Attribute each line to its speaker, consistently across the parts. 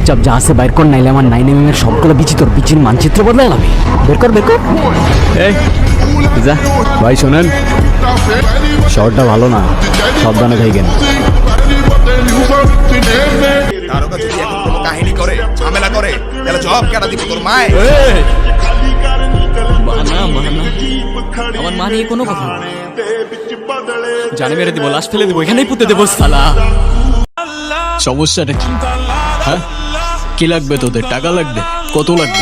Speaker 1: চুপচাপ যা আছে বাইর কর, নাইলে আমার 9mm এর সবগুলো বিচি তোর বিচির মানচিত্র বদলে যাবে। বের কর বের কর। এই যা ভাই, শোনেন শহরটা ভালো না, সাবধানে থাকেন।
Speaker 2: তারকা যদি এখন কোনো কাহিনী করে ঝামেলা করে তাহলে জবাব কেডা দিব তোর মায়?
Speaker 1: মানা মানা আমার মা নিয়ে কোনো কথা না, জানে মেরে দিব, লাশ ফেলে দিব, এখানেই পুঁতে দেবো শালা।
Speaker 3: সমস্যাটা কি? হ্যাঁ, কি লাগবে তোদের? টাকা লাগবে? কত লাগবে?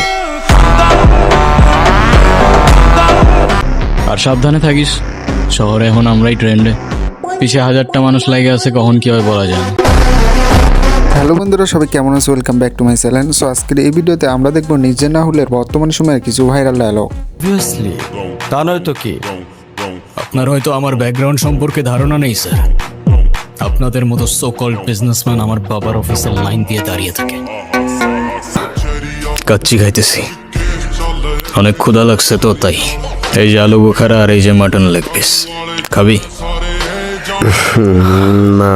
Speaker 3: আর সাবধানে থাকিস, শহরে এখন আমরাই ট্রেন্ডে, পিছে 1000টা মানুষ লাগে আছে, কখন কি হয় বলা যায় না।
Speaker 4: হ্যালো বন্ধুরা, সবাই কেমন আছে? Welcome back to my channel. So আজকের এই ভিডিওতে আমরা দেখবো নিজে না হলে বর্তমান সময়ের কিছু ভাইরাল ডায়লগ।
Speaker 3: অবভিয়াসলি, তা নয় তো কি? আপনার হয়তো আমার ব্যাকগ্রাউন্ড সম্পর্কে ধারণা নেই স্যার। আপনাদের মতো সো কল্ড বিজনেসম্যান আমার বাবার অফিসের লাইন দিয়ে দাঁড়িয়ে থাকে। কাচ্চি খাইতেছি, অনেক ক্ষুধা লাগছে তো তাই। এই যে আলু বোখারা আর এই যে মাটন লেগ পিস, খাবি?
Speaker 4: না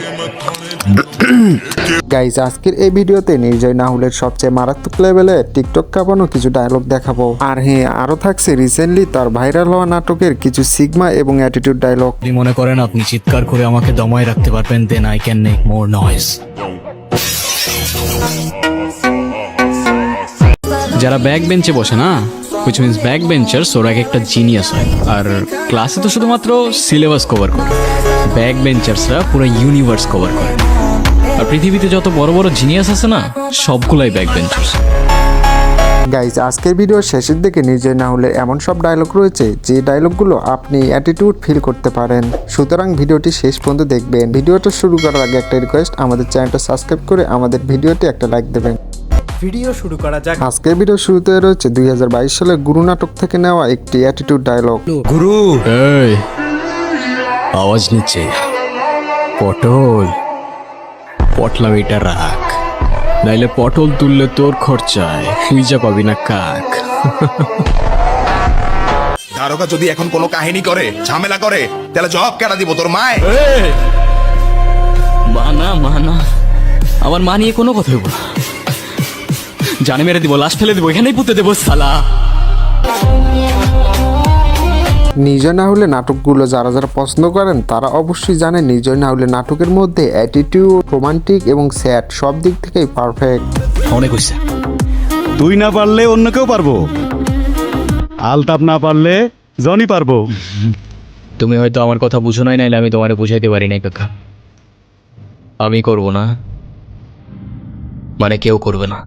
Speaker 4: গাইজ, আজকের এই ভিডিওতে নির্জয় নাহুলের সবচেয়ে মারাত্মক লেভেলের টিকটক কাঁপানো কিছু ডায়লগ দেখাবো। আর হ্যাঁ, আরো থাকছে রিসেন্টলি তার ভাইরাল হওয়া নাটকের কিছু সিগমা এবং অ্যাটিটিউড ডায়লগ।
Speaker 3: আপনি মনে করেন আপনি চিৎকার করে আমাকে দমায় রাখতে পারবেন, then I can make more noise. যারা ব্যাক বেঞ্চে বসে না, which means ব্যাক বেঞ্চার্স, ওরা একটা জিনিয়াস হয়। আর ক্লাসে তো শুধুমাত্র সিলেবাস কভার করে, ব্যাক বেঞ্চার্সরা পুরো ইউনিভার্স কভার করে। আর পৃথিবীতে যত বড় বড় জিনিয়াস আছে না, সবগুলাই ব্যাক বেঞ্চার্স।
Speaker 4: গাইজ, আজকের ভিডিওর শেষের দিকে নির্জয় নাহুলের এমন সব ডায়লগ রয়েছে যে ডায়লগগুলো আপনি অ্যাটিটিউড ফিল করতে পারেন। সুতরাং ভিডিওটি শেষ পর্যন্ত দেখবেন। ভিডিওটা শুরু করার আগে একটা রিকোয়েস্ট, আমাদের চ্যানেলটা সাবস্ক্রাইব করে আমাদের ভিডিওটি একটা লাইক দেবেন।
Speaker 5: ভিডিও শুরু করা যাক।
Speaker 4: আজকের ভিডিও শুরুতে রয়েছে 2022 সালের গুরু নাটক থেকে নেওয়া একটি অ্যাটিটিউড ডায়লগ।
Speaker 5: গুরু,
Speaker 3: এই আওয়াজ নিচ্ছে, পটল পটলা এটা রাখ, নাইলে পটল তুললে তোর খরচায় খুঁজা পাবি না কাক।
Speaker 2: তারকা যদি এখন কোনো কাহিনী করে ঝামেলা করে তাহলে জবাব কেডা দিব তোর মায়?
Speaker 1: মানা মানা আমার মা নিয়ে কোনো কথা বলবো না, জানে মেরে দিব, লাশ ফেলে দিব, এখানেই পুঁতে দেবো শালা।
Speaker 4: নির্জয় নাহুলে নাটকগুলো যারা যারা পছন্দ করেন তারা অবশ্যই জানেন নির্জয় নাহুলে নাটকের মধ্যে অ্যাটিটিউড, রোমান্টিক এবং স্যাড সব দিক থেকেই পারফেক্ট।
Speaker 3: অনেক হয়েছে,
Speaker 6: তুই না পারলে অন্য কেউ পারবো, আলতাপ না পারলে জনি পারবো।
Speaker 3: তুমি হয়তো আমার কথা বুঝো নাই, নাইলে আমি তোমারে বুঝাইতে পারি নাই কাকা। আমি করব না মানে কেউ করবে না।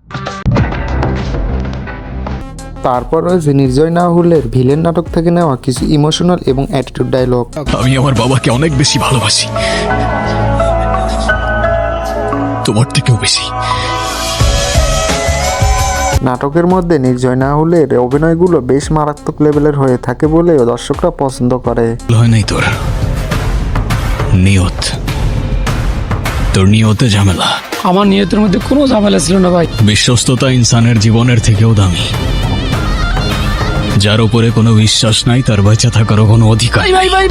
Speaker 4: তারপর রয়েছে নির্জয় নাহুলের ভিলেন নাটক থেকে নেওয়া কিছু ইমোশনাল এবং অ্যাটিটিউড ডায়লগ।
Speaker 3: আমি আমার বাবাকে অনেক বেশি ভালোবাসি, তোমার থেকেও বেশি।
Speaker 4: নাটকের মধ্যে নির্জয় নাহুলের অভিনয়গুলো বেশ মারাত্মক লেভেলের হয়ে থাকে বলেও দর্শকরা পছন্দ করে।
Speaker 3: হয় নাই তোর নিয়ত, তোর নিয়তে ঝামেলা।
Speaker 7: আমার নিয়তের মধ্যে কোনো ঝামেলা ছিল না ভাই।
Speaker 3: বিশ্বস্ততা ইনসানের জীবনের থেকেও দামি। যার উপরে কোনো বিশ্বাস নাই তার বেঁচে থাকারও কোনো অধিকার।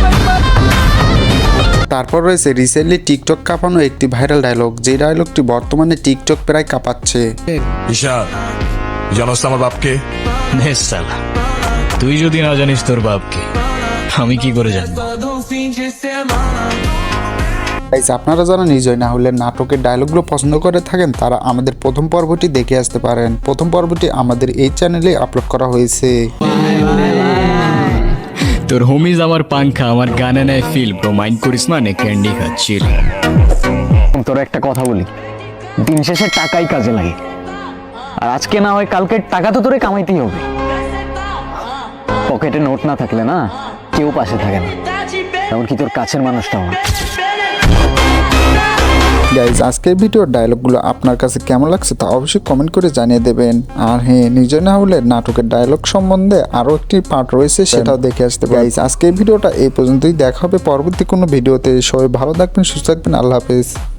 Speaker 4: তারপর রয়েছে রিসেন্টলি টিকটক কাঁপানো একটি ভাইরাল ডায়লগ, যে ডায়লগটি বর্তমানে টিকটক প্রায় কাঁপাচ্ছে।
Speaker 2: ঈশান, জানোস আমার বাপকে?
Speaker 3: নে শালা, তুই যদি না জানিস তোর বাপকে, আমি কি করে জানবো?
Speaker 4: গাইস, আপনারা যারা নির্জয় নাহুলের নাটকের ডায়লগগুলো পছন্দ করে থাকেন তারা আমাদের প্রথম পর্বটি দেখে আসতে পারেন। প্রথম পর্বটি আমাদের এই চ্যানেলে আপলোড করা হয়েছে।
Speaker 3: তোর হোমিজ আমার পাংখা, আমার গানে নেয় ফিল, ব্রো মাইন্ড করিস না, নে ক্যান্ডি খাচ্ছিল।
Speaker 1: তোর একটা কথা বলি, দিন শেষে টাকাই কাজে লাগে, আর আজকে না হয় কালকে টাকা তো তোরে কামাইতেই হবে। পকেটে নোট না থাকলে না কেউ পাশে থাকে না, এমনকি তোর কাছের মানুষটাও না।
Speaker 4: গাইজ, আজকের ভিডিওর ডায়লগগুলো আপনার কাছে কেমন লাগছে তা অবশ্যই কমেন্ট করে জানিয়ে দেবেন। আর হ্যাঁ, নির্জয় নাহুলের নাটকের ডায়লগ সম্বন্ধে আরও একটি পার্ট রয়েছে, সেটাও দেখে আসতে পারেন। গাইজ, আজকের ভিডিওটা এই পর্যন্তই, দেখা হবে পরবর্তী কোনো ভিডিওতে। সবাই ভালো থাকবেন, সুস্থ থাকবেন, আল্লাহ হাফেজ।